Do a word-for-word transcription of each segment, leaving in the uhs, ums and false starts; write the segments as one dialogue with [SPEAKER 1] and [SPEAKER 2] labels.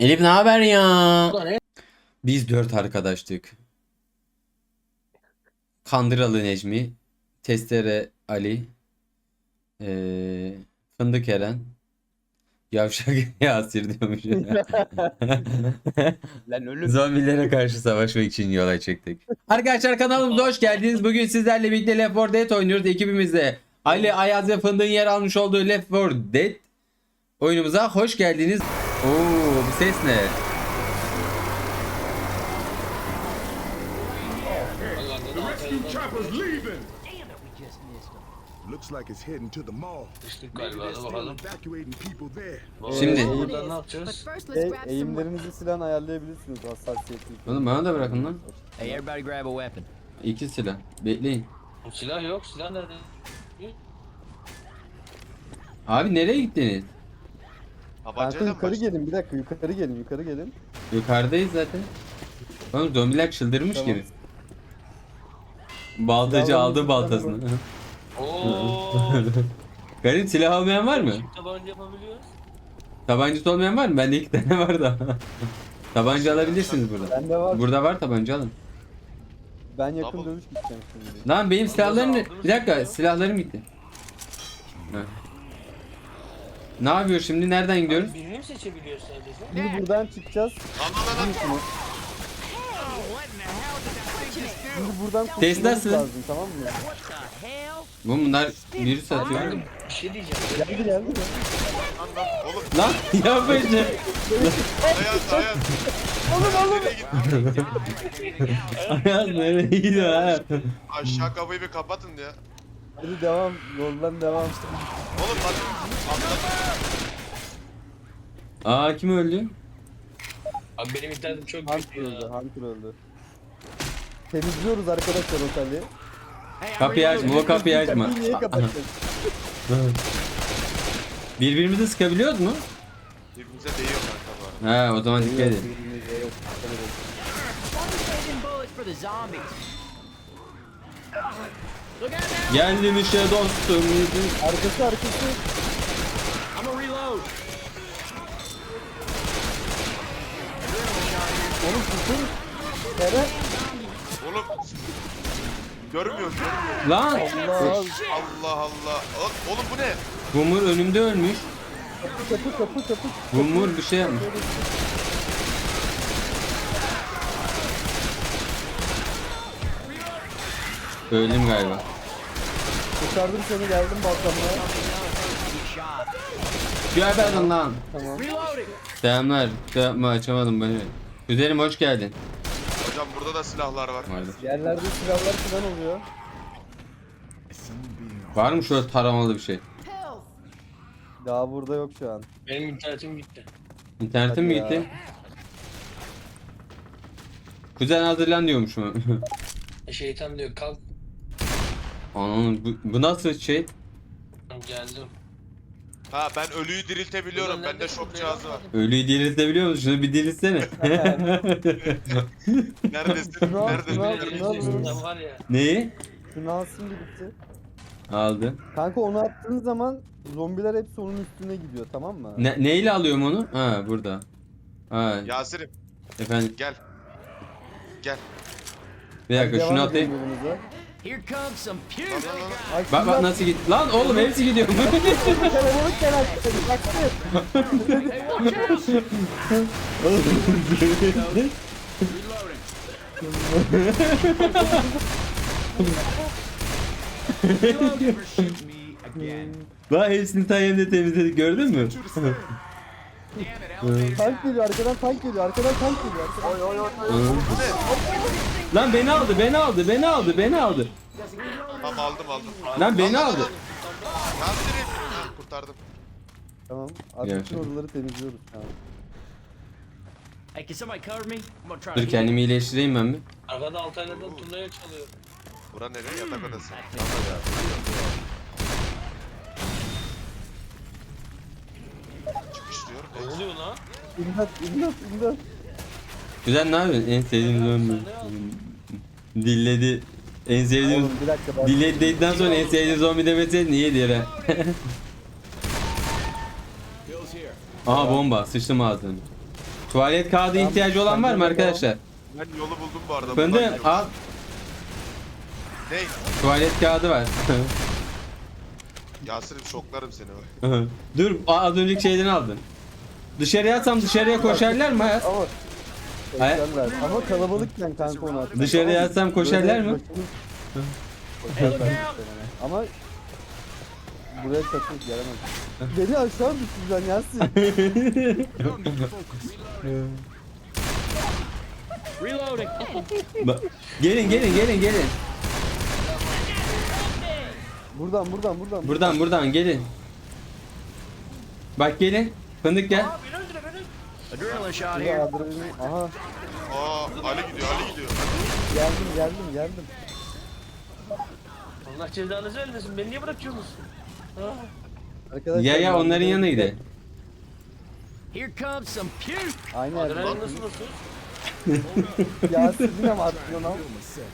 [SPEAKER 1] Elif ne haber ya?
[SPEAKER 2] Ulan ne?
[SPEAKER 1] Biz dört arkadaştık. Kandıralı Necmi, Testere Ali, eee, Fındık Eren, Yavşak Yasir diyormuş.
[SPEAKER 2] Lan ölüm.
[SPEAKER 1] Zombilere karşı savaşmak için yola çıktık. Arkadaşlar kanalımıza hoş geldiniz. Bugün sizlerle birlikte Left four Dead oynuyoruz. Ekibimizde Ali, Ayaz ve Fındık'ın yer almış olduğu Left four Dead oyunumuza hoş geldiniz. Oo, bu ses ne?
[SPEAKER 3] Rescue chopper's leaving. Looks like it's heading to the mall.
[SPEAKER 2] Düştük
[SPEAKER 3] Maybe
[SPEAKER 2] galiba,
[SPEAKER 3] they're
[SPEAKER 2] hadi
[SPEAKER 3] still
[SPEAKER 2] bakalım.
[SPEAKER 3] evacuating people there.
[SPEAKER 1] Şimdi-
[SPEAKER 2] Burada ne yapacağız?
[SPEAKER 4] E, eğimlerinizi silahın ayarlayabilirsiniz hassasiyetli.
[SPEAKER 1] Oğlum bana da bırakın lan.
[SPEAKER 5] Hey, everybody grab a weapon.
[SPEAKER 1] İki silah. Bekleyin.
[SPEAKER 2] Silah yok, silah nerede?
[SPEAKER 1] Abi nereye gittiniz?
[SPEAKER 4] Kanka
[SPEAKER 6] Tabancayla mı
[SPEAKER 4] yukarı
[SPEAKER 6] başladın?
[SPEAKER 4] gelin bir dakika yukarı gelin yukarı gelin.
[SPEAKER 1] Yukarıdayız zaten. Oğlum zombiler çıldırmış
[SPEAKER 4] Tamam.
[SPEAKER 1] gibi. Baltacı
[SPEAKER 4] Silahlarını
[SPEAKER 1] aldı baltasını.
[SPEAKER 2] Ooo.
[SPEAKER 1] Garip silah almayan var mı?
[SPEAKER 2] Tabanca yapabiliyoruz.
[SPEAKER 1] Tabancası olmayan var mı? Bende iki tane var da. Tabanca alabilirsiniz burada.
[SPEAKER 4] Bende var.
[SPEAKER 1] Burada var tabanca alın.
[SPEAKER 4] Ben yakın
[SPEAKER 6] Tamam.
[SPEAKER 4] dövüş gideceğim şimdi.
[SPEAKER 1] Lan benim silahlarım ne?
[SPEAKER 2] aldınız
[SPEAKER 1] Bir dakika
[SPEAKER 2] mı?
[SPEAKER 1] silahlarım gitti. Ha. Ne yapıyor şimdi? Nereden gidiyoruz?
[SPEAKER 2] Birini mi seçebiliyoruz sadece?
[SPEAKER 4] Şimdi buradan çıkacağız.
[SPEAKER 6] Lan lan lan.
[SPEAKER 4] Şunu. Şimdi buradan
[SPEAKER 1] Test
[SPEAKER 4] kurtulmamız
[SPEAKER 1] nasıl?
[SPEAKER 4] lazım tamam mı?
[SPEAKER 1] Bu bunlar virüs atıyor.
[SPEAKER 2] Bir şey diyeceğim.
[SPEAKER 4] Geldi geldi. mi?
[SPEAKER 6] Oğlum
[SPEAKER 1] Lan yapma işte.
[SPEAKER 6] Ayaz Ayaz. Oğlum oğlum. Nereye gittin?
[SPEAKER 1] Ayaz nereye gidiyor ha?
[SPEAKER 6] Aşağı kapıyı bir kapatın ya.
[SPEAKER 4] Hadi devam. Yoldan devam.
[SPEAKER 6] Oğlum bak. Atladım.
[SPEAKER 1] Aa kim öldü?
[SPEAKER 2] Abi benim internetim çok
[SPEAKER 4] Hunter
[SPEAKER 2] kötü
[SPEAKER 4] öldü.
[SPEAKER 2] ya.
[SPEAKER 4] Hunter öldü. Temizliyoruz arkadaşlar oteli.
[SPEAKER 1] Kapıyı açma, o kapıyı açma.
[SPEAKER 4] Kapıyı niye kapatacağız?
[SPEAKER 1] Birbirimizi sıkabiliyoruz mu?
[SPEAKER 6] Birbirimize değiyor kanka bu arada.
[SPEAKER 1] Ha o zaman dikkat edin.
[SPEAKER 4] Birbirimize yok, dikkat edin.
[SPEAKER 5] bullets for the zombies.
[SPEAKER 1] Geldim işte dostum.
[SPEAKER 4] Arkası arkası.
[SPEAKER 5] I'm gonna reload.
[SPEAKER 4] Oğlum tutun. Eren.
[SPEAKER 6] Oğlum. Görmüyorum görmüyorum.
[SPEAKER 1] Lan
[SPEAKER 4] Allah.
[SPEAKER 6] Allah Allah. Oğlum, oğlum bu ne?
[SPEAKER 1] Gumur önümde ölmüş.
[SPEAKER 4] Kapı kapı kapı kapı.
[SPEAKER 1] Gumur bir şey yapmış. Öldüm galiba.
[SPEAKER 4] Kurtardım seni geldim balkonuna.
[SPEAKER 1] Geberdim lan.
[SPEAKER 4] Tamam.
[SPEAKER 1] Selamlar. Şey yapma açamadım beni. Güzelim hoş geldin.
[SPEAKER 6] Hocam burada da silahlar var.
[SPEAKER 1] Vardı.
[SPEAKER 4] Yerlerde silahlar falan oluyor.
[SPEAKER 1] Var mı şöyle taramalı bir şey?
[SPEAKER 4] Daha burada yok şu an.
[SPEAKER 2] Benim internetim gitti.
[SPEAKER 1] İnternetin mi
[SPEAKER 4] Hadi ya.
[SPEAKER 1] gitti? Kuzen hazırlan diyormuşum.
[SPEAKER 2] E, Şeytan diyor kalk.
[SPEAKER 1] Ananın bu, bu nasıl şey?
[SPEAKER 2] Geldim.
[SPEAKER 6] Ha ben ölüyü diriltebiliyorum.
[SPEAKER 2] Ulan
[SPEAKER 6] Bende
[SPEAKER 2] nerede
[SPEAKER 6] şok
[SPEAKER 2] bu
[SPEAKER 6] cihazı var.
[SPEAKER 1] Ölüyü diriltebiliyor musun? Şunu bir diriltsene.
[SPEAKER 6] Neredesin?
[SPEAKER 4] Şunu al,
[SPEAKER 6] Neredesin?
[SPEAKER 4] şunu al,
[SPEAKER 2] Benim
[SPEAKER 4] şunu al.
[SPEAKER 2] sesimden var ya.
[SPEAKER 1] Neyi?
[SPEAKER 4] Şunu alsın birlikte.
[SPEAKER 1] Aldı.
[SPEAKER 4] Kanka onu attığın zaman zombiler hepsi onun üstüne gidiyor tamam mı?
[SPEAKER 1] Ne, neyle alıyorum onu? Ha burada. Ha
[SPEAKER 6] Yasir'im
[SPEAKER 1] efendim.
[SPEAKER 6] gel. Gel.
[SPEAKER 1] Bir dakika
[SPEAKER 4] Devam
[SPEAKER 1] şunu
[SPEAKER 4] edin
[SPEAKER 1] atayım.
[SPEAKER 4] yolunuza.
[SPEAKER 5] Here comes some
[SPEAKER 6] Lan
[SPEAKER 5] puke.
[SPEAKER 6] lan lan.
[SPEAKER 4] Ay,
[SPEAKER 1] Bak bak
[SPEAKER 4] şunlar-
[SPEAKER 1] nasıl gitti. Lan oğlum hepsi gidiyor.
[SPEAKER 4] Kalabalık gelen baksana.
[SPEAKER 5] Never shoot me again.
[SPEAKER 1] Bak hepsini tayemde temizledik gördün mü?
[SPEAKER 4] Tank geliyor arkadan tank geliyor arkadan tank geliyor. Arkadan... Oy oy oy.
[SPEAKER 1] Lan beni aldı beni aldı beni aldı beni aldı.
[SPEAKER 6] Tamam aldım aldım.
[SPEAKER 1] Lan beni aldı.
[SPEAKER 6] Yasir'im. Ha, kurtardım.
[SPEAKER 4] Tamam.
[SPEAKER 1] Gel
[SPEAKER 4] Artık
[SPEAKER 1] şimdi.
[SPEAKER 4] oraları temizliyoruz. Tamam.
[SPEAKER 5] Hey, can somebody cover me? I'm gonna try to
[SPEAKER 1] Dur
[SPEAKER 5] heal.
[SPEAKER 1] kendimi iyileştireyim ben bir.
[SPEAKER 2] Arkada Altaylar'dan turnaya çalıyor.
[SPEAKER 6] Bura nereye? Yatak odası. Çıkış diyor.
[SPEAKER 2] Ne oluyor lan?
[SPEAKER 4] İmdat imdat imdat.
[SPEAKER 1] Güzel ne yapıyorsun? En sevdiğim zombi. Dilledi. En sevdiğim...
[SPEAKER 4] Oğlum bir dakika bak.
[SPEAKER 1] Dilledi dedikten sonra en sevdiğim zombi demeseydin iyi diye.
[SPEAKER 5] Bill's here.
[SPEAKER 1] Aha bomba sıçtım ağzını. Tuvalet kağıdı
[SPEAKER 4] Tamam,
[SPEAKER 1] ihtiyacı olan var mı
[SPEAKER 4] bende de
[SPEAKER 1] arkadaşlar?
[SPEAKER 6] Ben yolu buldum bu arada.
[SPEAKER 1] Fındık
[SPEAKER 6] buradan gidiyorum.
[SPEAKER 1] al.
[SPEAKER 6] Ne?
[SPEAKER 1] Tuvalet kağıdı var.
[SPEAKER 6] Yasir'im şoklarım seni bak.
[SPEAKER 1] Dur az önceki şeyden aldın. Dışarıya atsam dışarıya koşarlar mı hayat?
[SPEAKER 4] Ama
[SPEAKER 1] Hayır.
[SPEAKER 4] koşarlar. Ama kalabalıkken kanka onu atmak.
[SPEAKER 1] Dışarıya
[SPEAKER 4] Ama
[SPEAKER 1] atsam koşarlar
[SPEAKER 4] böyle
[SPEAKER 1] mı?
[SPEAKER 4] başımız- Koşarlar muhtemelen. Ama buraya takılıp gelemez. Beni aşağı düşüreceksin Yasin.
[SPEAKER 5] Reloading.
[SPEAKER 1] Ba- gelin gelin gelin gelin.
[SPEAKER 4] Buradan buradan buradan.
[SPEAKER 1] Buradan buradan gelin. Bak gelin. Fındık gel.
[SPEAKER 5] Adrenaline shot
[SPEAKER 4] Burada
[SPEAKER 5] here.
[SPEAKER 4] adrenalin. Aha
[SPEAKER 6] Aa Ali gidiyor Ali gidiyor.
[SPEAKER 4] geldim geldim geldim.
[SPEAKER 2] Allah cezanızı vermesin. Beni niye bırakıyorsunuz? Ah.
[SPEAKER 4] Arkadaşlar,
[SPEAKER 1] Ya ya
[SPEAKER 4] ben
[SPEAKER 1] onların
[SPEAKER 4] burada-
[SPEAKER 1] yanına gidelim.
[SPEAKER 5] Here comes some puke.
[SPEAKER 4] Aynı yerde.
[SPEAKER 2] Adrenalin nasıl basıyor?
[SPEAKER 4] Yasin yine mi attın onu?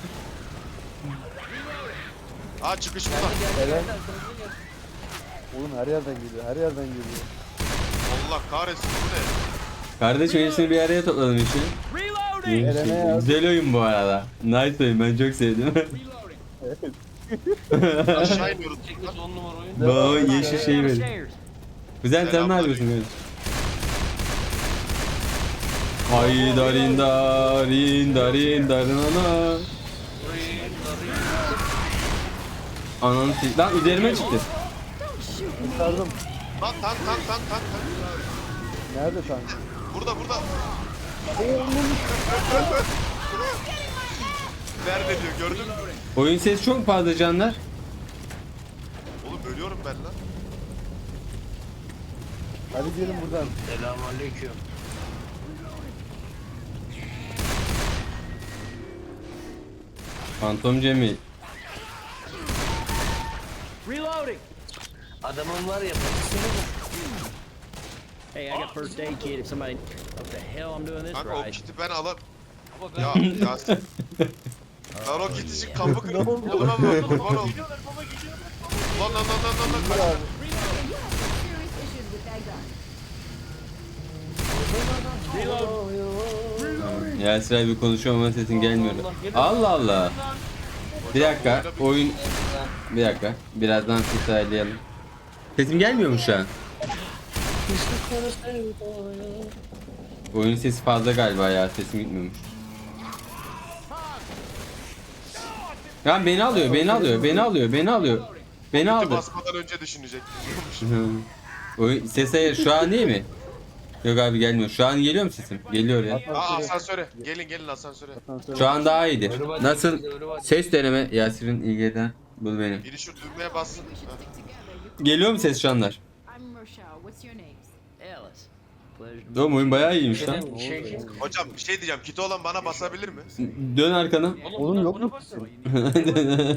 [SPEAKER 6] Aa çıkış burada.
[SPEAKER 4] Eren. Oğlum her yerden geliyor her yerden geliyor.
[SPEAKER 6] Allah kahretsin bu ne?
[SPEAKER 1] Kardeş hepsini bir araya topladım için.
[SPEAKER 5] Reloading.
[SPEAKER 4] Eren'e yaz.
[SPEAKER 1] Güzel oyun bu arada. Nice oyun ben çok sevdim.
[SPEAKER 6] Aşağı iniyoruz.
[SPEAKER 2] Çekmesi on numara oyun.
[SPEAKER 1] Baba yeşil şey verin.
[SPEAKER 5] Upstairs.
[SPEAKER 1] Güzel sen ne
[SPEAKER 6] Selamünaleyküm.
[SPEAKER 1] yapıyorsun? Hayda rinda rinda rinda ana. Ananı s- lan üzerime çıktı.
[SPEAKER 4] Kurtardım.
[SPEAKER 6] Lan tank tank tank tank tank.
[SPEAKER 4] Nerede tank?
[SPEAKER 6] Burada burada. Nerede diyor gördün mü?
[SPEAKER 1] Oyun sesi çok fazla canlar.
[SPEAKER 6] Oğlum ölüyorum ben lan.
[SPEAKER 4] Hadi gelin buradan.
[SPEAKER 2] Selamünaleyküm.
[SPEAKER 1] Fantom Cemil.
[SPEAKER 5] Reloading.
[SPEAKER 2] Adamın var ya bakışını mı?
[SPEAKER 5] Hey, I got first aid kit if somebody. What the hell I'm doing this
[SPEAKER 6] Kanka o
[SPEAKER 5] right.
[SPEAKER 6] kiti ben alam.
[SPEAKER 2] Baba ben...
[SPEAKER 6] Ya Yasin. Lan o kit için kapı kırık. Oğlum ama kurban ol. Lan lan lan lan lan lan. Kaç.
[SPEAKER 7] Serious issues with that gun.
[SPEAKER 1] Yasir abi konuşuyor ama sesin gelmiyor. Allah Allah. Bir dakika oyun. Bir dakika. Birazdan ses ayarlayalım. Sesim gelmiyor mu şu an? Oyun sesi fazla galiba ya. Sesim gitmiyormuş. Ya beni alıyor, beni alıyor, beni alıyor, beni alıyor. Beni
[SPEAKER 6] Kiti
[SPEAKER 1] aldı.
[SPEAKER 6] basmadan önce düşünecek.
[SPEAKER 1] Hı. Oyun ses ayar şu an değil mi? Yok abi gelmiyor. Şu an geliyor mu sesim? Geliyor ya.
[SPEAKER 6] Aa asansöre. Gelin gelin asansöre.
[SPEAKER 1] Şu an daha iyidir. Nasıl? Ses deneme. Yasir'in ilgiden bul beni.
[SPEAKER 6] Biri şu düğmeye bassın. Ha.
[SPEAKER 1] Geliyor mu ses şu anlar?
[SPEAKER 7] I'm Rochelle. What's your names?
[SPEAKER 5] Ellis. Pleasure to
[SPEAKER 1] Oğlum oyun bayağı iyiymiş lan.
[SPEAKER 2] Şey, şey, şey.
[SPEAKER 6] Hocam bir şey diyeceğim. Kiti olan bana basabilir mi?
[SPEAKER 1] Dön arkana.
[SPEAKER 4] Oğlum yok
[SPEAKER 2] buna
[SPEAKER 4] mu?
[SPEAKER 2] basın. Hayır,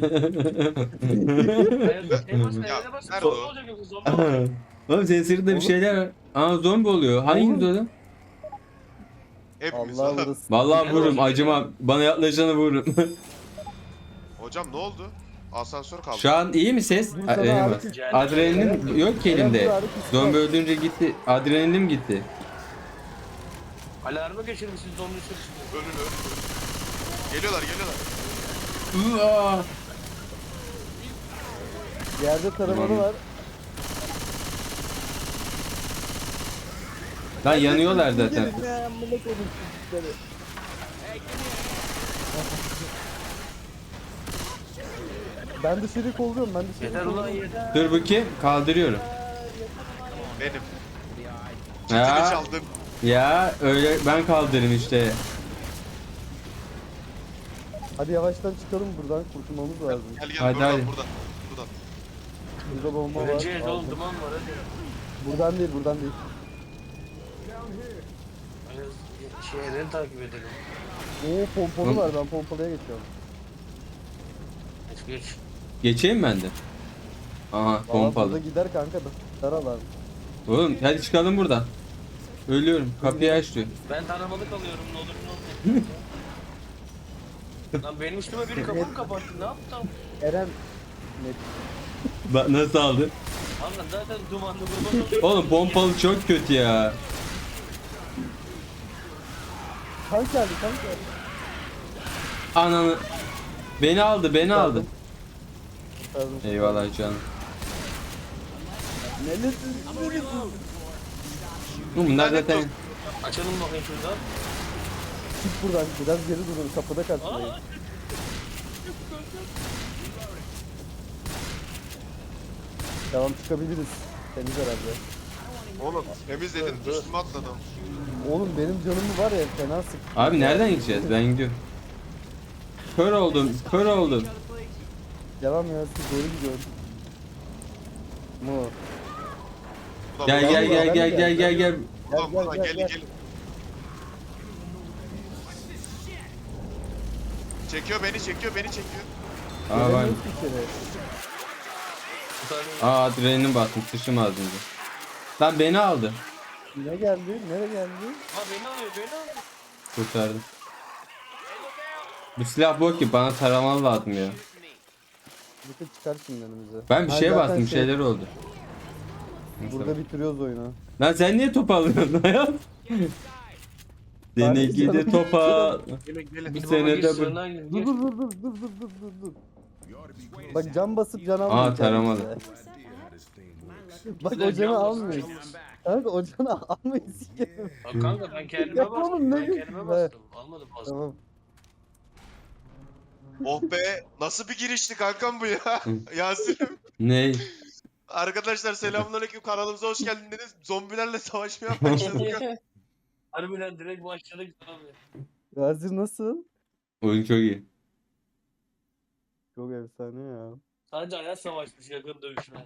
[SPEAKER 2] şey basın,
[SPEAKER 6] Ya,
[SPEAKER 2] eline basın.
[SPEAKER 6] nerede
[SPEAKER 2] Zombi
[SPEAKER 6] o?
[SPEAKER 2] olacak yoksa, zombi olacak.
[SPEAKER 1] Oğlum senin sırtında bir şeyler var. Aa zombi oluyor. Hanginiz oğlum?
[SPEAKER 6] Hepimiz.
[SPEAKER 4] Allah
[SPEAKER 6] Allah.
[SPEAKER 4] burası.
[SPEAKER 1] Vallahi vururum acımam. Bana yaklaşanı vururum.
[SPEAKER 6] Hocam ne oldu? Asansör kaldı.
[SPEAKER 1] Şu an iyi mi ses?
[SPEAKER 4] Burada
[SPEAKER 1] A-
[SPEAKER 4] da
[SPEAKER 1] e,
[SPEAKER 4] artık-
[SPEAKER 1] Adrenalin yok ki elimde. Zombi öldürünce gitti. Adrenalinim gitti.
[SPEAKER 2] Alarmı geçirmişsin zombi sürüsünde.
[SPEAKER 6] Ölün ölün. Geliyorlar geliyorlar.
[SPEAKER 1] Aa!
[SPEAKER 4] Yerde taramalı var.
[SPEAKER 1] Lan yanıyorlar zaten.
[SPEAKER 4] Gelin ya, amına koydum sizleri. Ben dışarı kolluyorum ben dışarı
[SPEAKER 2] Yeter ulan
[SPEAKER 4] kolluyorum.
[SPEAKER 2] yeter.
[SPEAKER 1] Dur bakayım. Kaldırıyorum.
[SPEAKER 6] Benim. Kitini
[SPEAKER 1] Ya,
[SPEAKER 6] çaldım.
[SPEAKER 1] ya öyle ben kaldırırım işte.
[SPEAKER 4] Hadi yavaştan çıkalım buradan kurtulmamız lazım.
[SPEAKER 6] Gel gel
[SPEAKER 1] Hadi,
[SPEAKER 6] buradan
[SPEAKER 1] hadi.
[SPEAKER 6] buradan. Buradan.
[SPEAKER 4] Burada bomba var.
[SPEAKER 2] Öleceğiz oğlum
[SPEAKER 4] aldım.
[SPEAKER 2] duman var hadi.
[SPEAKER 4] Buradan değil buradan değil.
[SPEAKER 2] Şey Eren'i takip edelim.
[SPEAKER 4] Oo pompalı
[SPEAKER 1] Hı.
[SPEAKER 4] var ben pompalıya geçiyorum.
[SPEAKER 2] Geç geç.
[SPEAKER 1] Geçeyim ben de. Aha
[SPEAKER 4] Valla burada
[SPEAKER 1] pompalı.
[SPEAKER 4] gider kanka da. Daralar.
[SPEAKER 1] Oğlum hadi çıkalım buradan. Ölüyorum. Kapıyı aç diyor.
[SPEAKER 2] Ben tanımalı kalıyorum ne olur ne olmaz. Lan benim üstüme biri kapımı kapattı ne yaptım?
[SPEAKER 4] Eren net.
[SPEAKER 1] Bak nasıl aldı?
[SPEAKER 2] Anla zaten dumanlı kurban oluyor.
[SPEAKER 1] Oğlum pompalı çok kötü ya.
[SPEAKER 4] Tank geldi tank geldi.
[SPEAKER 1] Ananı. Beni aldı beni aldı.
[SPEAKER 4] Pardon.
[SPEAKER 1] Eyvallah canım.
[SPEAKER 4] Nelesin? Nelesin?
[SPEAKER 1] Bunlar zaten
[SPEAKER 2] Açalım bakayım şuradan.
[SPEAKER 4] Çık buradan biraz geri durun kapıda karşılayın.
[SPEAKER 2] Aa,
[SPEAKER 4] Tamam çıkabiliriz. Temiz herhalde.
[SPEAKER 6] Oğlum temiz dedin üstüme atladım.
[SPEAKER 4] Oğlum benim canımı var ya fena sık.
[SPEAKER 1] Abi nereden gideceğiz? Ben gidiyorum. Kör oldum, kör oldum.
[SPEAKER 4] Devam ya siz doğru gidiyorum. Mu.
[SPEAKER 6] Ulan
[SPEAKER 1] Gel
[SPEAKER 6] buradan-
[SPEAKER 1] gel gel gel gel gel gel.
[SPEAKER 6] Ulan
[SPEAKER 4] Gel,
[SPEAKER 6] buradan
[SPEAKER 4] gel,
[SPEAKER 6] gelin
[SPEAKER 4] gel.
[SPEAKER 6] gelin. Çekiyor beni çekiyor beni çekiyor.
[SPEAKER 1] Aa var.
[SPEAKER 4] Gelemiyoruz ki içeri.
[SPEAKER 2] bir tane-
[SPEAKER 1] Aa adrenalin basmış, sıçım az önce. Lan beni aldı.
[SPEAKER 4] Ne geldi? Nereye geldi?
[SPEAKER 2] Ha beni alıyor beni alıyor.
[SPEAKER 1] Kurtardım. Bu silah bok ki bana taramalı lazım ya.
[SPEAKER 4] Bakın çıkar şimdi önümüze.
[SPEAKER 1] Ben bir
[SPEAKER 4] Ha,
[SPEAKER 1] şeye
[SPEAKER 4] zaten
[SPEAKER 1] bastım, bir
[SPEAKER 4] şey-
[SPEAKER 1] şeyler oldu.
[SPEAKER 4] Burada bitiriyoruz oyunu.
[SPEAKER 1] Lan sen niye top alıyorsun hayat? Seni
[SPEAKER 4] Abi,
[SPEAKER 1] gidi
[SPEAKER 4] canım.
[SPEAKER 1] topa.
[SPEAKER 6] Gelin gelin.
[SPEAKER 1] Bu
[SPEAKER 2] Bir
[SPEAKER 1] sene
[SPEAKER 2] baba
[SPEAKER 1] de
[SPEAKER 2] gir,
[SPEAKER 1] bu.
[SPEAKER 2] sığınağa gir,
[SPEAKER 4] Dur
[SPEAKER 2] gir.
[SPEAKER 4] dur dur dur dur dur dur dur dur. Bak can basıp can almıyor.
[SPEAKER 1] Aa taramalı.
[SPEAKER 4] Bak
[SPEAKER 2] Güzel
[SPEAKER 4] o canı
[SPEAKER 2] can
[SPEAKER 4] almıyor. Kanka o canı almayı sikerim.
[SPEAKER 2] Bak kanka ben kendime
[SPEAKER 4] Yapma oğlum,
[SPEAKER 2] bastım.
[SPEAKER 4] ne
[SPEAKER 2] Ben
[SPEAKER 4] diyorsun
[SPEAKER 2] kendime
[SPEAKER 4] be?
[SPEAKER 2] bastım. Almadım bastım.
[SPEAKER 4] Tamam.
[SPEAKER 6] Oh be nasıl bir girişti kankam bu ya. Yasin'im.
[SPEAKER 1] Ne?
[SPEAKER 6] Arkadaşlar selamünaleyküm kanalımıza hoş geldiniz. Zombilerle savaşmaya başladık.
[SPEAKER 2] Harbiden direkt başladık abi.
[SPEAKER 4] Gazi nasıl?
[SPEAKER 1] Oyun çok iyi.
[SPEAKER 4] Çok efsane ya.
[SPEAKER 2] Sadece hayat savaşmış yakın dövüşme.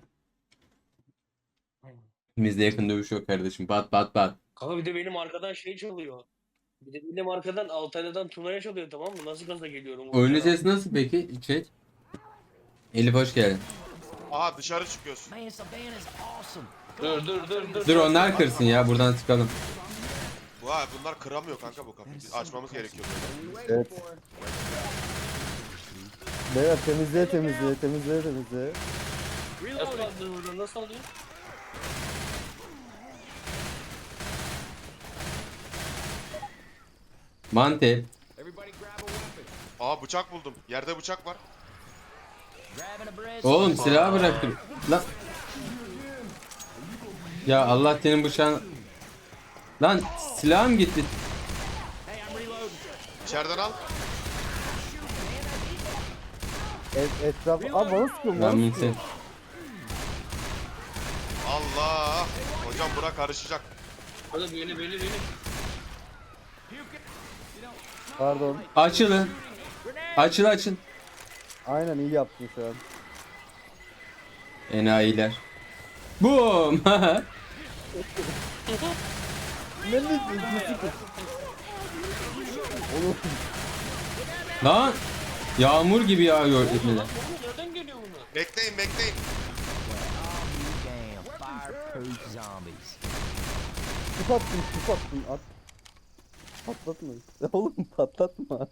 [SPEAKER 1] Bizde yakın dövüş yok kardeşim. Bat bat bat.
[SPEAKER 2] Kanka bir de benim arkadan şey çalıyor. Bir de benim arkadan Altalya'dan Tuna'ya çalıyor tamam mı? Nasıl gaza geliyorum?
[SPEAKER 1] Oyunun sesi nasıl peki? Chat. Elif hoş geldin.
[SPEAKER 6] Aha dışarı çıkıyorsun.
[SPEAKER 5] Man, Savannah's awesome.
[SPEAKER 2] Dur dur dur dur.
[SPEAKER 1] Dur onlar kırsın ya, buradan çıkalım.
[SPEAKER 6] Vay bunlar kıramıyor kanka bu kapıyı. Biz açmamız gerekiyor böyle.
[SPEAKER 4] Evet. Beyler temizleye temizleye temizleye temizleye.
[SPEAKER 2] Nasıl aldın buradan? Nasıl alıyor?
[SPEAKER 1] Mantep.
[SPEAKER 6] Aa bıçak buldum. Yerde bıçak var.
[SPEAKER 5] Grabbing a bread.
[SPEAKER 1] Oğlum silahı bıraktım. Lan. Ya Allah senin bıçağın. Lan silahım gitti.
[SPEAKER 5] Hey, I'm reloading.
[SPEAKER 6] İçeriden al.
[SPEAKER 4] Et, etraf... Aa bana sıkıyorum
[SPEAKER 1] Ben
[SPEAKER 4] bana
[SPEAKER 1] bunu
[SPEAKER 4] sıkıyorum.
[SPEAKER 6] Allah. Hocam bura karışacak.
[SPEAKER 2] Hadi beni beni beni.
[SPEAKER 4] Pardon.
[SPEAKER 1] Açılın. Açıl açın.
[SPEAKER 4] Aynen iyi yaptın şu an.
[SPEAKER 1] Enayiler. Boom.
[SPEAKER 4] Ne ne Oğlum
[SPEAKER 1] Lan. Yağmur gibi yağıyor etmeden.
[SPEAKER 2] Oğlum nereden geliyor bunlar?
[SPEAKER 6] Bekleyin bekleyin.
[SPEAKER 5] Damn, fireproof zombies.
[SPEAKER 4] tüp attın tüp attın at. Patlatma. Oğlum patlatma.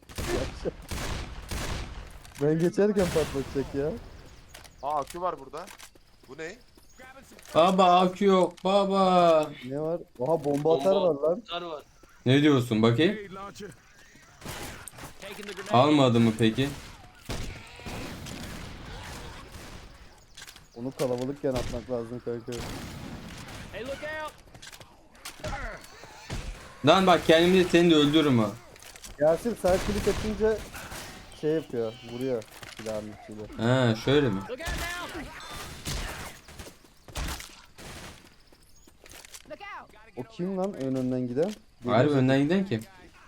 [SPEAKER 4] Ben geçerken patlatacak ya.
[SPEAKER 6] Aa akü var burada. Bu ne?
[SPEAKER 1] Baba akü yok baba.
[SPEAKER 4] Ne var? Oha bomba atar var lan.
[SPEAKER 2] Atar var.
[SPEAKER 1] Ne diyorsun bakayım?
[SPEAKER 3] Grenade launcher.
[SPEAKER 5] Taking the grenade.
[SPEAKER 1] Almadı mı peki?
[SPEAKER 4] Onu kalabalıkken atmak lazım kanka.
[SPEAKER 5] Hey, look out.
[SPEAKER 1] Lan bak kendimi de seni de öldürürüm ha.
[SPEAKER 4] Yasin sağ klik atınca şey yapıyor, vuruyor silahın içiyle.
[SPEAKER 1] Ha şöyle mi?
[SPEAKER 5] Look out now.
[SPEAKER 7] Look out!
[SPEAKER 4] O kim lan ön önden giden?
[SPEAKER 1] Harbi önden giden kim?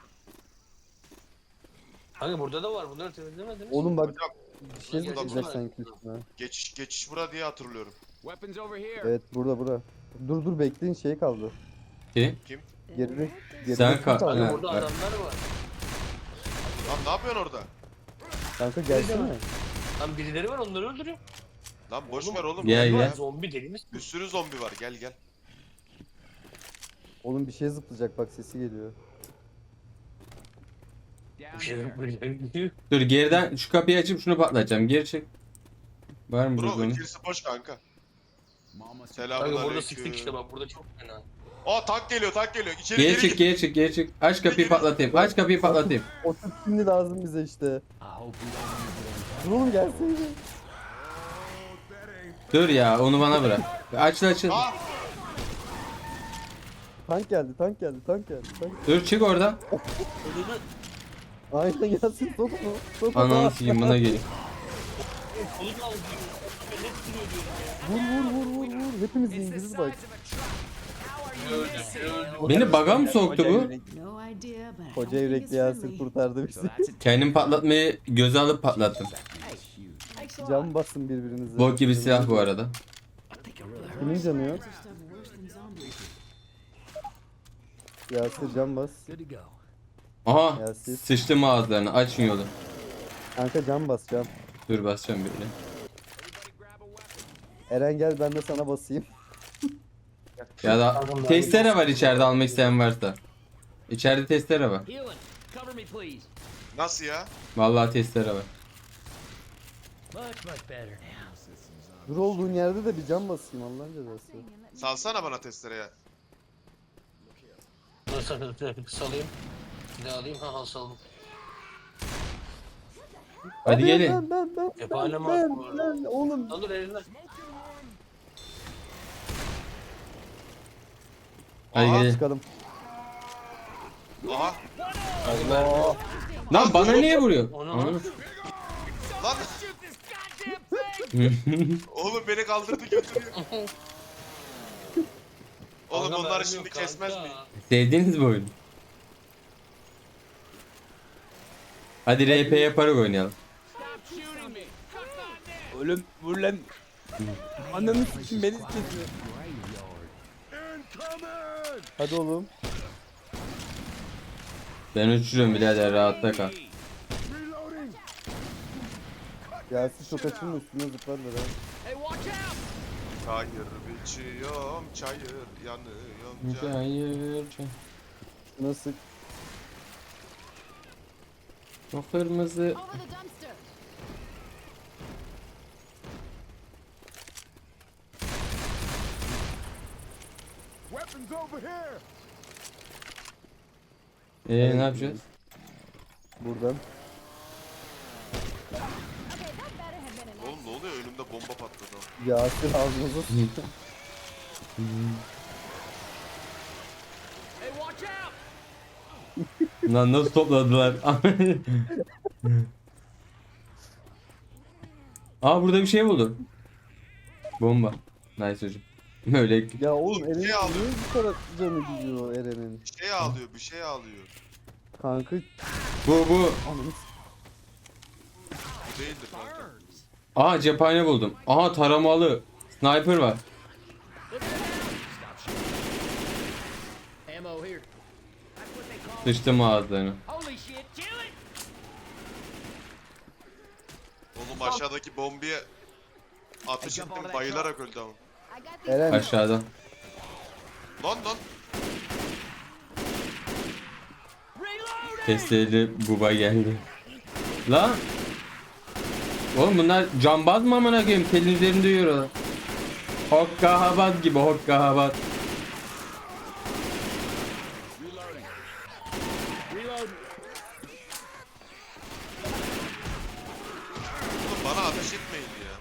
[SPEAKER 2] Kanka burada da var. Bunları temizlemediniz mi?
[SPEAKER 4] Oğlum bak
[SPEAKER 6] Hocam
[SPEAKER 4] bir şey
[SPEAKER 2] Burada,
[SPEAKER 4] zıplayacak
[SPEAKER 2] burada.
[SPEAKER 4] sanki üstüne.
[SPEAKER 6] geçiş geçiş bura diye hatırlıyorum.
[SPEAKER 4] Evet burada burada. Dur dur bekleyin şey kaldı.
[SPEAKER 1] Ki?
[SPEAKER 4] Geride geride
[SPEAKER 1] Sen
[SPEAKER 4] kim
[SPEAKER 1] kal-
[SPEAKER 4] kaldı?
[SPEAKER 1] Ha,
[SPEAKER 2] Burada
[SPEAKER 1] bak.
[SPEAKER 2] adamlar var.
[SPEAKER 6] Lan ne yapıyorsun orada?
[SPEAKER 4] Kanka gelsene.
[SPEAKER 2] Lan birileri var onları öldürüyor.
[SPEAKER 6] Lan boş ver oğlum.
[SPEAKER 1] Gel,
[SPEAKER 6] Gel
[SPEAKER 1] gel.
[SPEAKER 6] ya.
[SPEAKER 2] Zombi deli misin?
[SPEAKER 6] Bir sürü zombi var gel gel.
[SPEAKER 4] Oğlum bir şey zıplayacak bak sesi geliyor.
[SPEAKER 2] Bir şey yok böyle.
[SPEAKER 1] Dur geriden şu kapıyı açıp şunu patlatacağım. Geri çek. Var mı
[SPEAKER 6] Bro
[SPEAKER 1] burada?
[SPEAKER 6] içerisi boş kanka.
[SPEAKER 2] Kanka
[SPEAKER 6] Selamünaleyküm.
[SPEAKER 2] burada sıktık işte bak burada çok fena.
[SPEAKER 6] Aa tank geliyor tank geliyor. İçeri
[SPEAKER 1] Geri
[SPEAKER 6] geri
[SPEAKER 1] çık
[SPEAKER 6] git.
[SPEAKER 1] geri çık geri çık. Aç kapıyı patlatayım. Aç kapıyı patlatayım.
[SPEAKER 4] O tip şimdi lazım bize işte.
[SPEAKER 5] I hope we don't
[SPEAKER 4] Dur oğlum gelseydi.
[SPEAKER 1] Dur ya onu bana bırak. Açıl açıl.
[SPEAKER 6] Aa
[SPEAKER 4] Tank geldi, tank geldi, tank geldi. Tank.
[SPEAKER 1] Dur çık oradan.
[SPEAKER 4] Aynen gelsin, sok onu. Sok onu.
[SPEAKER 1] Ananı sikeyim buna gelin.
[SPEAKER 2] Kolunu al diyor. Ben ne tutuyor diyorum ya.
[SPEAKER 4] Vur vur vur vur vur. Hepimiz indiririz bak.
[SPEAKER 2] Öldü, öldü.
[SPEAKER 1] Beni baga mı soktu bu?
[SPEAKER 7] No idea, but I
[SPEAKER 4] Koca
[SPEAKER 7] don't think
[SPEAKER 4] yürekli
[SPEAKER 7] it's
[SPEAKER 4] Yasir
[SPEAKER 7] friendly.
[SPEAKER 4] kurtardı bizi.
[SPEAKER 1] Kendim patlatmayı göze alıp patlattım.
[SPEAKER 7] Thanks a lot.
[SPEAKER 4] Can basın birbirinize.
[SPEAKER 1] Bok gibi silah bu arada.
[SPEAKER 4] Kimin canı yok?
[SPEAKER 7] Stuff worse than zombies.
[SPEAKER 4] Yasir can bas.
[SPEAKER 5] good to go.
[SPEAKER 1] Aha
[SPEAKER 4] Ya siz-
[SPEAKER 1] sıçtım ağızlarını açın yolu.
[SPEAKER 4] Kanka can bas can.
[SPEAKER 1] Dur basacağım böyle.
[SPEAKER 4] Eren gel ben de sana basayım.
[SPEAKER 1] Ya da testere var içeride almak isteyen varsa. İçeride testere var.
[SPEAKER 5] Healing. Cover me, please.
[SPEAKER 6] nasıl ya?
[SPEAKER 1] Vallahi testere var.
[SPEAKER 5] Much, much better now.
[SPEAKER 4] Dur olduğun yerde de bir can basayım Allah'ın cezası.
[SPEAKER 6] Salsana bana testereye.
[SPEAKER 2] Dur sakın salayım. Ne alayım? Ha ha saldım.
[SPEAKER 1] Hadi
[SPEAKER 4] Ben,
[SPEAKER 1] gelin.
[SPEAKER 4] Ben ben ben
[SPEAKER 2] Cephane
[SPEAKER 4] ben
[SPEAKER 2] mi
[SPEAKER 4] ben,
[SPEAKER 2] attın bu arada?
[SPEAKER 4] ben oğlum.
[SPEAKER 2] Lan dur elinden.
[SPEAKER 1] Hadi
[SPEAKER 6] Aha.
[SPEAKER 1] gelin.
[SPEAKER 4] Çıkalım.
[SPEAKER 6] Aha.
[SPEAKER 1] Lan bana niye vuruyor?
[SPEAKER 2] Onu
[SPEAKER 1] Ananı-
[SPEAKER 6] Lan. Oğlum beni kaldırdı götürüyor. Oğlum
[SPEAKER 2] Kanka,
[SPEAKER 6] bunları
[SPEAKER 2] mermi
[SPEAKER 6] şimdi
[SPEAKER 2] yok
[SPEAKER 6] kesmez
[SPEAKER 2] kanka.
[SPEAKER 6] mi?
[SPEAKER 1] Sevdiğiniz bu oyunu. Hadi R P yaparak oynayalım.
[SPEAKER 8] Oğlum vur lan. Ananı sikim beni kesiyor.
[SPEAKER 4] Hadi oğlum.
[SPEAKER 1] Ben uçuruyorum birader rahatta kal.
[SPEAKER 4] Yasir çok açılma üstüne zıplarlar ha.
[SPEAKER 6] Çayır biçiyorum çayır yanıyorum çayır.
[SPEAKER 1] Hayır.
[SPEAKER 4] Şuna sık.
[SPEAKER 1] O kırmızı.
[SPEAKER 7] Over the dumpster.
[SPEAKER 3] Weapons over here.
[SPEAKER 1] Eee ne yapacağız?
[SPEAKER 4] Buradan.
[SPEAKER 7] Okay, that better have been an
[SPEAKER 6] Oğlum ne oluyor önümde bomba patladı.
[SPEAKER 4] Yasir ağzınıza sık.
[SPEAKER 5] Hey, watch out!
[SPEAKER 1] Lan nasıl topladılar? Aa burada bir şey buldu. Bomba. Nice hocam. Böyle
[SPEAKER 4] Ya oğlum Eren
[SPEAKER 6] şey
[SPEAKER 4] niye
[SPEAKER 6] aldım.
[SPEAKER 4] bu kadar canı gidiyor Eren'in?
[SPEAKER 6] Bir şey ağlıyor bir şey ağlıyor.
[SPEAKER 4] Kanka
[SPEAKER 1] bu bu.
[SPEAKER 4] ananı s-
[SPEAKER 6] Bu değildir kanka.
[SPEAKER 1] Aa cephane buldum. Aha taramalı. Sniper var.
[SPEAKER 5] Ammo here.
[SPEAKER 1] Sıçtım ağızlarına.
[SPEAKER 5] Holy shit, kill it!
[SPEAKER 6] Oğlum aşağıdaki bombaya ateş ettim bayılarak öldü ama.
[SPEAKER 7] I got these.
[SPEAKER 4] Eren
[SPEAKER 1] Aşağıda.
[SPEAKER 6] Lan lan.
[SPEAKER 1] Testleri buba geldi. Lan. Oğlum bunlar cambaz mı amına koyayım? Telin üzerinde yürüyorlar. Hokkahabat gibi hokkahabat.
[SPEAKER 6] Oğlum bana ateş etmeyin ya.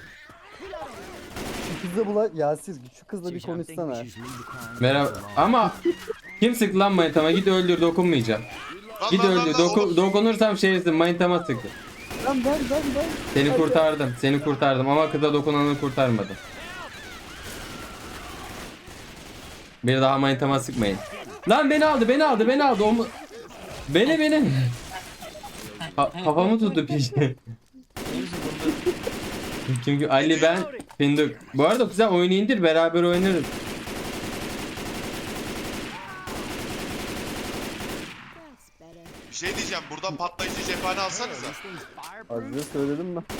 [SPEAKER 4] şu kızla bula Yasir şu kızla bir
[SPEAKER 5] Susan, I think we
[SPEAKER 4] konuşsana.
[SPEAKER 5] should just leave the crime
[SPEAKER 1] Merhaba. Ama kim sıktı lan manitama? Git öldür dokunmayacağım.
[SPEAKER 6] Lan
[SPEAKER 1] Git
[SPEAKER 6] lan lan
[SPEAKER 1] öldür.
[SPEAKER 6] lan
[SPEAKER 1] Doku-
[SPEAKER 6] oğlum.
[SPEAKER 1] dokunursam şerefsiz manitama sıktı.
[SPEAKER 4] Lan ben ben ben.
[SPEAKER 1] Seni kurtardım. Seni kurtardım ama kıza dokunanı kurtarmadım. Bir daha manitama sıkmayın. Lan beni aldı, beni aldı, beni aldı. Omu... Beni beni. Ka- kafamı tuttu peşte. Çünkü Ali ben Fındık. Bu arada güzel oyunu indir beraber oynarız.
[SPEAKER 7] That's better.
[SPEAKER 6] Bir şey diyeceğim buradan patlayıcı cephane alsanıza.
[SPEAKER 4] Az önce söyledim ben.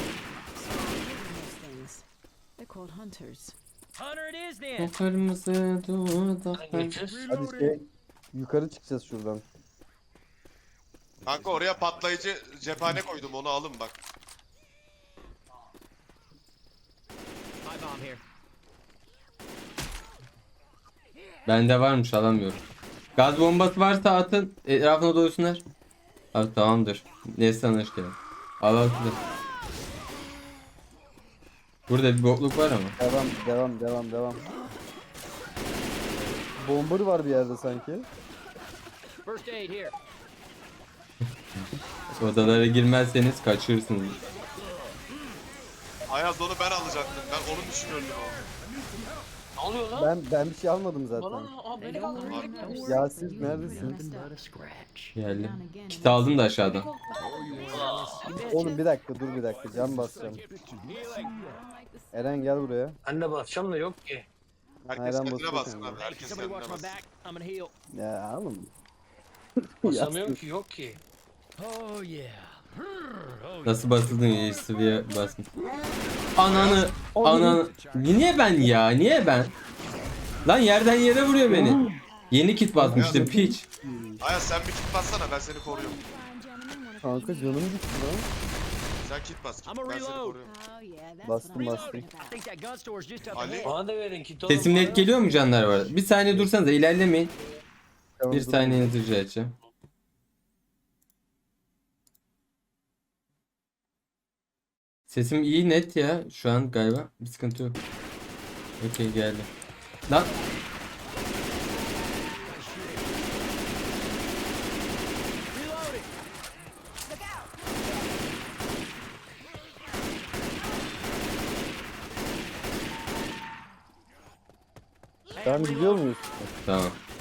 [SPEAKER 7] Those things. They're called hunters.
[SPEAKER 5] Hunter it is then!
[SPEAKER 1] O kırmızı dudaklar.
[SPEAKER 2] Geçir.
[SPEAKER 4] Hadi şey yukarı çıkacağız şuradan.
[SPEAKER 6] Kanka oraya patlayıcı cephane koydum onu alın bak.
[SPEAKER 5] Pipe bomb here.
[SPEAKER 1] Bende varmış, alamıyorum. Gaz bombası varsa atın, etrafına doysunlar. Abi tamamdır. Ne sanır ki? Al al şunu. Burada bir bokluk var ama.
[SPEAKER 4] Devam devam devam devam. Bomber var bir yerde sanki.
[SPEAKER 5] First aid here.
[SPEAKER 1] Odalara girmezseniz kaçırırsınız.
[SPEAKER 6] Ayaz onu ben alacaktım. Ben onun için öldüm.
[SPEAKER 2] Ne oluyor lan?
[SPEAKER 4] Ben ben bir şey almadım
[SPEAKER 2] Bana
[SPEAKER 4] zaten.
[SPEAKER 2] aa beni kaldırın.
[SPEAKER 4] Yasin neredesin?
[SPEAKER 5] Nothing but a scratch.
[SPEAKER 1] Geldim. Kit aldım da aşağıdan.
[SPEAKER 4] Oğlum bir dakika dur bir dakika can basacağım. Eren gel buraya.
[SPEAKER 2] Ben de basacağım da yok ki.
[SPEAKER 6] Herkes
[SPEAKER 4] Aynen
[SPEAKER 6] kendine
[SPEAKER 4] basıyor
[SPEAKER 6] bassın
[SPEAKER 4] kendine.
[SPEAKER 6] abi. Herkes
[SPEAKER 5] Somebody
[SPEAKER 6] kendine
[SPEAKER 5] watch my
[SPEAKER 6] bassın.
[SPEAKER 5] back. I'm gonna heal.
[SPEAKER 4] Ya oğlum.
[SPEAKER 2] Basamıyorum ki yok ki.
[SPEAKER 5] Oh yeah.
[SPEAKER 1] Nasıl basıldın ya, sıvıya basmış. Ananı, ananı. Niye ben ya? Niye ben? Lan yerden yere vuruyor beni. Yeni kit basmıştım piç.
[SPEAKER 6] Ayaz sen bir kit bassana, ben seni koruyorum.
[SPEAKER 4] Kanka canım gitti lan.
[SPEAKER 6] Sen kit bas kit.
[SPEAKER 5] I'm a
[SPEAKER 6] Ben seni
[SPEAKER 5] reload.
[SPEAKER 6] koruyorum.
[SPEAKER 4] Bastım bastım.
[SPEAKER 5] I think that gun store's just up
[SPEAKER 6] Ali.
[SPEAKER 5] ahead.
[SPEAKER 2] Bana da verin kit oğlum.
[SPEAKER 1] Sesim net geliyor mu canlar var? Bir saniye dursanıza, ilerlemeyin.
[SPEAKER 4] Tamam,
[SPEAKER 1] Bir
[SPEAKER 4] dur.
[SPEAKER 1] saniyenizi rica edeceğim. Sesim iyi net ya şu an galiba. Bir sıkıntı yok. Okey geldi. Lan
[SPEAKER 4] Ben biliyor muyuz?
[SPEAKER 1] tamam.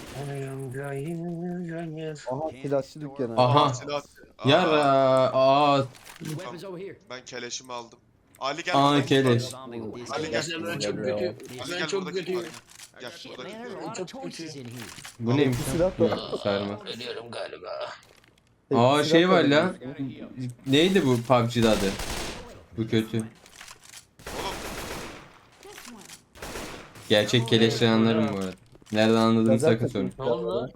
[SPEAKER 4] Aha silahçı dükkanı.
[SPEAKER 1] Aha.
[SPEAKER 6] Silah. Aa,
[SPEAKER 1] Yara. Aa.
[SPEAKER 5] Weapons over here.
[SPEAKER 6] Ben keleşimi aldım. Ali gel.
[SPEAKER 1] Aa,
[SPEAKER 6] burada kit
[SPEAKER 1] keleş.
[SPEAKER 6] var.
[SPEAKER 5] Zombie with this
[SPEAKER 6] Ali
[SPEAKER 5] guy.
[SPEAKER 6] gel.
[SPEAKER 2] Ben çok kötü.
[SPEAKER 6] Ali
[SPEAKER 2] Ben
[SPEAKER 6] gel,
[SPEAKER 2] çok
[SPEAKER 6] burada kit
[SPEAKER 2] kötü.
[SPEAKER 6] var. Gel
[SPEAKER 5] Shit,
[SPEAKER 6] burada
[SPEAKER 5] man,
[SPEAKER 6] kit
[SPEAKER 5] there's a
[SPEAKER 6] var.
[SPEAKER 5] lot of choices in here.
[SPEAKER 1] Bu neymiş?
[SPEAKER 4] silah
[SPEAKER 1] lan?
[SPEAKER 4] da-
[SPEAKER 1] Yok, sarma.
[SPEAKER 2] Ölüyorum galiba.
[SPEAKER 1] Aa
[SPEAKER 4] Silah
[SPEAKER 1] şey var
[SPEAKER 4] da-
[SPEAKER 1] lan. Neydi bu P U B G'de adı? Bu kötü. Gerçek keleşleri anlarım bu arada. Nereden anladığını
[SPEAKER 4] Lazer
[SPEAKER 1] sakın
[SPEAKER 4] takın
[SPEAKER 1] sorun.
[SPEAKER 2] Ne oldu lan?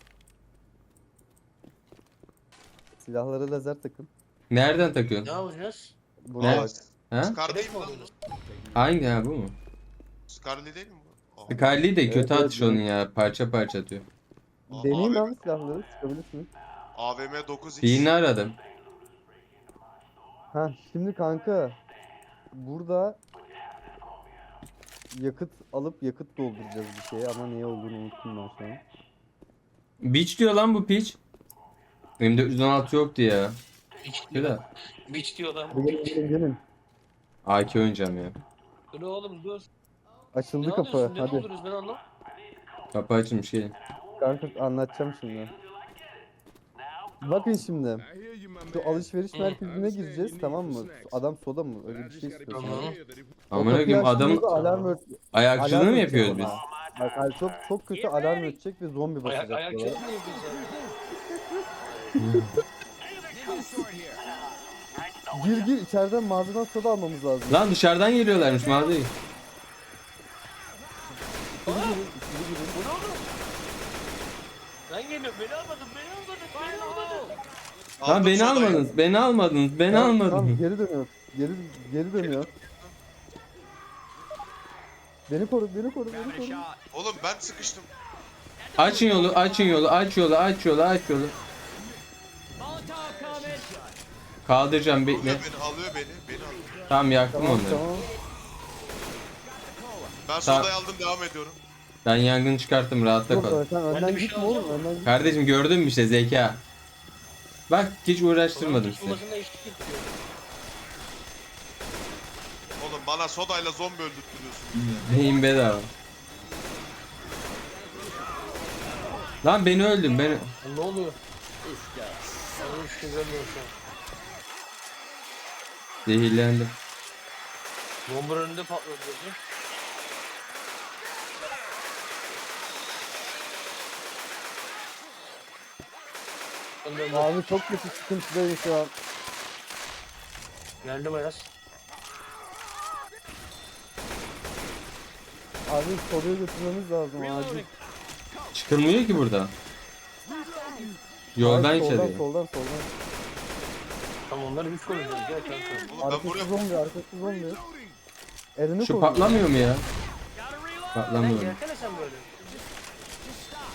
[SPEAKER 4] Silahlara lazer takın.
[SPEAKER 1] Nereden
[SPEAKER 2] Ne
[SPEAKER 1] takıyorsun?
[SPEAKER 2] yapacağız?
[SPEAKER 4] Buraya
[SPEAKER 1] Ne?
[SPEAKER 4] bak.
[SPEAKER 1] Ha?
[SPEAKER 6] Scar değil
[SPEAKER 2] Keleş
[SPEAKER 6] mi
[SPEAKER 2] mi
[SPEAKER 6] lan?
[SPEAKER 2] alıyoruz?
[SPEAKER 1] Hangi ha bu mu?
[SPEAKER 6] Scarlet değil mi bu? Aha.
[SPEAKER 1] Scarlet'i de kötü
[SPEAKER 4] Evet,
[SPEAKER 1] atış
[SPEAKER 4] evet,
[SPEAKER 1] onun ya. Parça parça atıyor.
[SPEAKER 6] Aa,
[SPEAKER 4] Deneyim
[SPEAKER 6] A V M
[SPEAKER 4] abi silahları sıkabilirsiniz.
[SPEAKER 6] A V M dokuz X.
[SPEAKER 1] Birini aradım.
[SPEAKER 4] Ha şimdi kanka burada yakıt alıp yakıt dolduracağız bir şeye ama neye olduğunu unuttum ben şu an.
[SPEAKER 1] Beach diyor lan bu piç. M dört yüz on altı yoktu ya.
[SPEAKER 2] Biç
[SPEAKER 1] Bir
[SPEAKER 2] diyor.
[SPEAKER 1] de
[SPEAKER 2] Biç diyor lan.
[SPEAKER 4] Hadi gelin gelin gelin.
[SPEAKER 1] A K oynayacağım ya.
[SPEAKER 2] Dur oğlum dur.
[SPEAKER 4] Açıldı
[SPEAKER 2] Ne
[SPEAKER 4] kapı
[SPEAKER 2] alıyorsun? Ne
[SPEAKER 4] hadi.
[SPEAKER 2] doldururuz ben anlamadım.
[SPEAKER 1] Kapı açılmış gelin.
[SPEAKER 4] Kanka anlatacağım şimdi. Bakın şimdi.
[SPEAKER 3] I hear you, my
[SPEAKER 4] Şu
[SPEAKER 3] man.
[SPEAKER 4] alışveriş merkezine gireceğiz tamam mı? Adam soda mı? Öyle bir şey
[SPEAKER 3] Gotta
[SPEAKER 4] istiyor.
[SPEAKER 3] get
[SPEAKER 2] Tamam.
[SPEAKER 3] here that if
[SPEAKER 1] Amına koyayım adam
[SPEAKER 4] Adamın alarm ört
[SPEAKER 1] ayakçılığı
[SPEAKER 4] alarm
[SPEAKER 1] mı
[SPEAKER 4] ötecek
[SPEAKER 1] yapıyoruz biz?
[SPEAKER 4] ama. Bak hayır, çok çok kötü alarm ötecek ve zombi
[SPEAKER 2] Ayak,
[SPEAKER 4] basacak
[SPEAKER 2] ayak
[SPEAKER 4] diyorlar.
[SPEAKER 2] çekimi mi yapıyorsun?
[SPEAKER 4] Gir gir içeriden mağazadan soda almamız lazım.
[SPEAKER 1] Lan dışarıdan geliyorlarmış mağazayı.
[SPEAKER 2] Ben geliyorum. Beni almadın. Beni almadın. Beni almadın.
[SPEAKER 1] Lan
[SPEAKER 6] Aldım
[SPEAKER 1] beni
[SPEAKER 6] sodayı.
[SPEAKER 1] almadınız. Beni almadınız. Beni
[SPEAKER 4] Tamam, tamam,
[SPEAKER 1] almadınız.
[SPEAKER 4] geri dönüyor. Geri geri dönüyor. Beni koru, beni koru, beni koru.
[SPEAKER 6] Oğlum ben sıkıştım.
[SPEAKER 1] Açın yolu, açın yolu, aç yolu, aç yolu, aç yolu. Kaldıracağım bekle.
[SPEAKER 6] Alıyor beni, alıyor beni. Beni alıyor.
[SPEAKER 1] Tamam yaktım
[SPEAKER 4] Tamam,
[SPEAKER 1] onları.
[SPEAKER 4] tamam.
[SPEAKER 6] Ben
[SPEAKER 1] Tamam.
[SPEAKER 6] sodayı aldım, devam ediyorum.
[SPEAKER 1] Ben yangını çıkarttım, rahatta
[SPEAKER 4] Yok,
[SPEAKER 1] kal.
[SPEAKER 4] sen
[SPEAKER 2] Ben de
[SPEAKER 4] önden
[SPEAKER 2] bir şey
[SPEAKER 4] gitme oğlum,
[SPEAKER 2] alacağım.
[SPEAKER 4] önden gitme.
[SPEAKER 1] Kardeşim gördün mü işte zeka. Bak hiç uğraştırmadım sizi.
[SPEAKER 2] Tutulmasına eşlik ediyor.
[SPEAKER 6] Oğlum bana sodayla zombi öldürtüyorsunuz ya.
[SPEAKER 1] Beyin bedava. Lan beni öldüm beni.
[SPEAKER 2] Lan ne oluyor? Ben hiç şey görmüyorum şu an.
[SPEAKER 1] Zehirlendim.
[SPEAKER 2] Bomba önünde patladı. dedi. Ben de öldüm.
[SPEAKER 4] Abi çok kötü sıkıntıdayım şu an.
[SPEAKER 2] Geldim Ayaz.
[SPEAKER 4] Abi soruyu götürmemiz lazım acil.
[SPEAKER 1] Çıkılmıyor ki burada. Yoldan
[SPEAKER 4] Hayır, soldan,
[SPEAKER 1] içeriye.
[SPEAKER 4] soldan, soldan.
[SPEAKER 2] Tamam onları biz koruyacağız. Gel kanka.
[SPEAKER 6] Oğlum ben
[SPEAKER 4] Arkası
[SPEAKER 6] buraya...
[SPEAKER 4] zombi, arkası zombi. Elini
[SPEAKER 1] Şu
[SPEAKER 4] koru.
[SPEAKER 1] patlamıyor mu ya?
[SPEAKER 2] Sen
[SPEAKER 1] Patlamıyor.
[SPEAKER 2] gelsene sen böyle.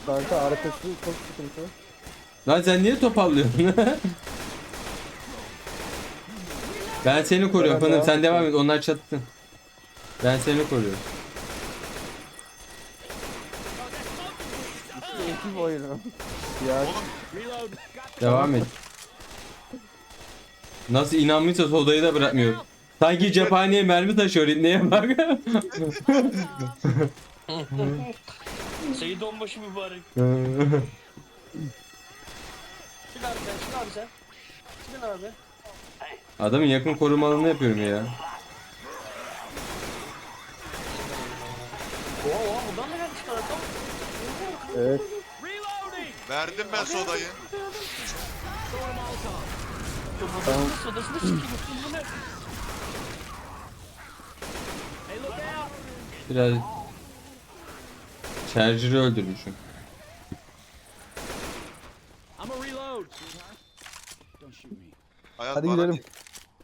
[SPEAKER 4] Kanka arkası çok sıkıntı.
[SPEAKER 1] Lan sen niye topallıyorsun? Ben seni koruyorum
[SPEAKER 4] Ben
[SPEAKER 1] Fındım, sen
[SPEAKER 4] devam
[SPEAKER 1] devam et, onlar çattı. Ben seni koruyorum.
[SPEAKER 4] Ekip oyunu. Ya
[SPEAKER 1] Devam et. Nasıl inanmışsa sodayı da bırakmıyor. Sanki cephaneye mermi taşıyor neye bak.
[SPEAKER 2] Seyit onbaşı mübarek. Çık abi sen, çık abi sen. Çıkın abi.
[SPEAKER 1] Adamın yakın korumalını yapıyorum ya.
[SPEAKER 2] Oha oha buradan da gelmişler adam.
[SPEAKER 4] evet.
[SPEAKER 6] Verdim ben sodayı.
[SPEAKER 4] Tamam.
[SPEAKER 2] Sodasını sikeyim. Bu ne?
[SPEAKER 1] Biraz Charger'ı öldürmüşüm.
[SPEAKER 5] I'm a reload.
[SPEAKER 6] Hayat
[SPEAKER 4] Hadi
[SPEAKER 6] bana
[SPEAKER 4] gidelim.
[SPEAKER 6] değil.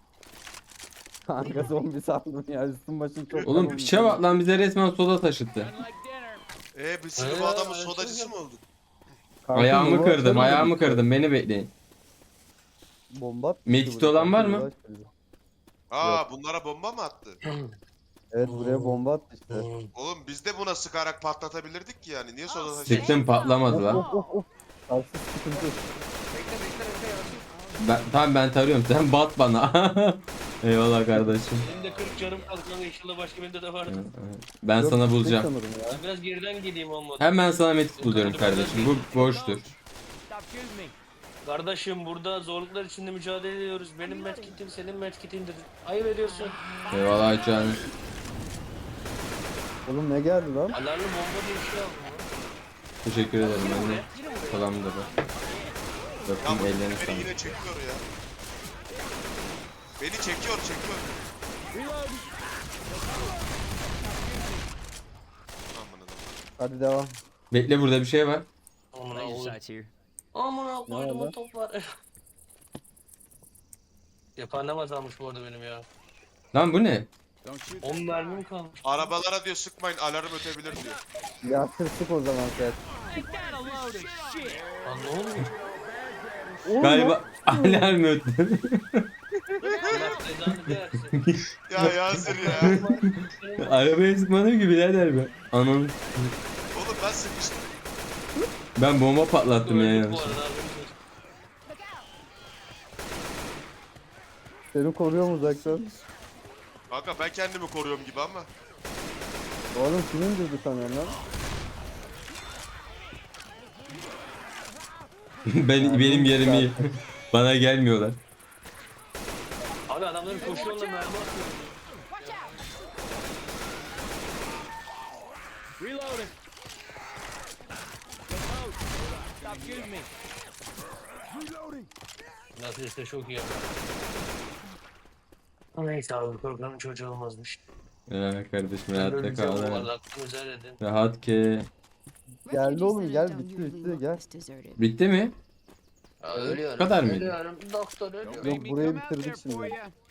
[SPEAKER 4] Kanka zombi sandım ya. Üstüm başım çok
[SPEAKER 1] Oğlum
[SPEAKER 4] kanım.
[SPEAKER 1] piçe bak lan, bize resmen soda taşıttı.
[SPEAKER 6] Eee biz şimdi bu
[SPEAKER 2] Ee,
[SPEAKER 6] adamın
[SPEAKER 2] açılıyor.
[SPEAKER 6] sodacısı mı olduk?
[SPEAKER 4] Kanka,
[SPEAKER 1] Ayağımı
[SPEAKER 4] bomba
[SPEAKER 1] kırdım,
[SPEAKER 4] atsana.
[SPEAKER 1] ayağımı kırdım, beni bekleyin.
[SPEAKER 4] Bomba atmıştı
[SPEAKER 1] Medkit
[SPEAKER 4] buraya.
[SPEAKER 1] olan var mı?
[SPEAKER 4] Kanka, bizi.
[SPEAKER 6] Aa bunlara bomba mı attı?
[SPEAKER 4] Evet buraya bomba attı işte.
[SPEAKER 6] Oğlum biz de buna sıkarak patlatabilirdik ki yani. Niye soda taşıyorsun?
[SPEAKER 1] Sıktım, patlamadı
[SPEAKER 4] Of
[SPEAKER 1] lan.
[SPEAKER 4] of of of. Karşı sıkıntı.
[SPEAKER 2] Bekle bekle bekle Yasin.
[SPEAKER 1] Ben, tamam ben tarıyorum, sen bat bana. Eyvallah kardeşim.
[SPEAKER 2] Benim de kırık canım kaldı lan, inşallah başka birinde de vardı.
[SPEAKER 1] Ben
[SPEAKER 4] Yok,
[SPEAKER 1] sana
[SPEAKER 4] tek
[SPEAKER 1] bulacağım.
[SPEAKER 4] sanırım ya.
[SPEAKER 2] Ben biraz geriden geleyim olmadı.
[SPEAKER 1] Hemen sana medkit buluyorum kardeşim. Bu boştur.
[SPEAKER 5] Stop shooting me.
[SPEAKER 2] Kardeşim burada zorluklar içinde mücadele ediyoruz. Benim medkitim senin medkitindir. Ayıp ediyorsun.
[SPEAKER 1] Eyvallah canım.
[SPEAKER 4] Oğlum ne geldi lan?
[SPEAKER 2] Alarmlı bomba diye bir şey aldım lan.
[SPEAKER 1] Teşekkür ederim
[SPEAKER 2] Yine
[SPEAKER 1] ben de.
[SPEAKER 2] buraya, yine buraya.
[SPEAKER 1] Salam da bak.
[SPEAKER 6] Ya
[SPEAKER 1] Bakayım
[SPEAKER 6] bu
[SPEAKER 1] ellerine
[SPEAKER 6] beni
[SPEAKER 1] sağlık.
[SPEAKER 6] yine çekiyor ya. Beni çekiyor çekiyor. Aman Allah'ım.
[SPEAKER 4] Hadi devam.
[SPEAKER 1] Bekle, burada bir şey var.
[SPEAKER 2] Amına
[SPEAKER 5] Laser
[SPEAKER 2] koyayım.
[SPEAKER 5] sights here.
[SPEAKER 2] Amına
[SPEAKER 4] Ne
[SPEAKER 2] koydum
[SPEAKER 4] oldu?
[SPEAKER 2] o top var. Yapannem azalmış bu arada benim ya.
[SPEAKER 1] Lan bu ne?
[SPEAKER 2] on mermim kalmış.
[SPEAKER 6] Arabalara diyor sıkmayın alarm ötebilir diyor.
[SPEAKER 4] Ya sık o zaman sen.
[SPEAKER 2] Lan ne oluyor?
[SPEAKER 4] Oğlum,
[SPEAKER 1] Galiba alarm öttü.
[SPEAKER 2] Allah cezanı versin.
[SPEAKER 6] Ya Yasir ya.
[SPEAKER 1] Arabaya sıkmadım ki birader be. Anam.
[SPEAKER 6] Oğlum ben sıkıştım.
[SPEAKER 1] Ben bomba patlattım ya
[SPEAKER 2] Öldük bu
[SPEAKER 1] yanlış.
[SPEAKER 2] arada abi.
[SPEAKER 4] Seni koruyorum uzaktan.
[SPEAKER 6] Kanka ben kendimi koruyorum gibi ama.
[SPEAKER 4] Oğlum kim indirdi sanıyorsun lan?
[SPEAKER 1] Ben benim yerim iyi. Bana gelmiyorlar.
[SPEAKER 2] Abi adamların koşuyorlar mermi atıyor.
[SPEAKER 5] Reloading. Stop shooting me.
[SPEAKER 3] Reloading.
[SPEAKER 2] Nasıl işte çok iyi. Neyse abi programın çocuğu olmazmış.
[SPEAKER 1] Ya kardeşim rahatta kal.
[SPEAKER 2] Bu
[SPEAKER 1] ha.
[SPEAKER 2] arada aklını güzel edin.
[SPEAKER 1] Rahat ki.
[SPEAKER 4] Geldi oğlum gel bitti bitti gel.
[SPEAKER 1] Bitti mi?
[SPEAKER 2] Ölüyorum.
[SPEAKER 1] kadar mıydı?
[SPEAKER 2] Ölüyorum. Doktor ölüyor.
[SPEAKER 4] Yok burayı bitirdik şimdi.